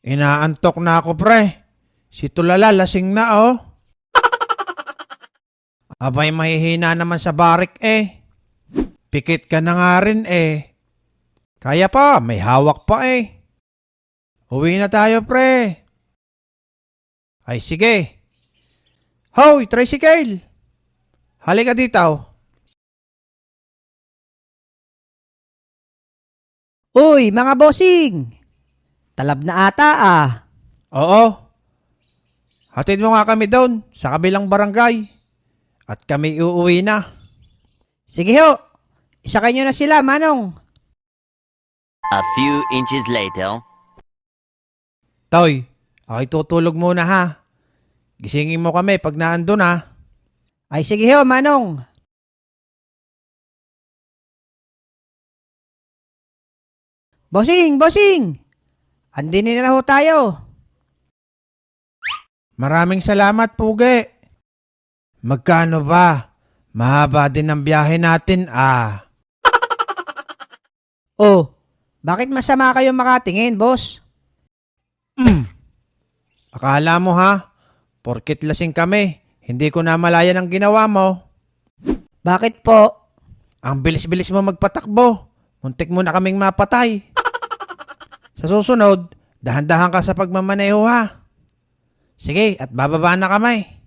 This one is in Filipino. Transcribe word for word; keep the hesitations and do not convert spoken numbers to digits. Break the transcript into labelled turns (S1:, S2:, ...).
S1: Inaantok na ako, pre. Si Tulala lasing na, oh. Abay, mahihina naman sa barik, eh. Pikit ka na nga rin, eh. Kaya pa, may hawak pa, eh. Uwi na tayo, pre. Ay, sige. Hoy, tricycle! Halika dito.
S2: Uy, mga bossing! Talab na ata ah.
S1: Oo. Hatid mo nga kami doon sa kabilang barangay. At kami uuwi na.
S2: Sige ho, isakay nyo na sila, Manong.
S3: A few inches later.
S1: Toy, ako'y tutulog muna ha. Gisingin mo kami pag naandun ha.
S2: Ay sige ho, Manong. Bossing, bossing! Andin na ho tayo.
S1: Maraming salamat, Pugi. Magkano ba? Mahaba din ang biyahe natin ah.
S2: Oh, bakit masama kayo makatingin, boss?
S1: Mm. Akala mo ha? Porkit lasing kami, hindi ko namalayan ang ginawa mo.
S2: Bakit po?
S1: Ang bilis-bilis mo magpatakbo. Muntik mo na kaming mapatay. Sa susunod, dahan-dahan ka sa pagmamaneho ha. Sige, at bababa na kamay.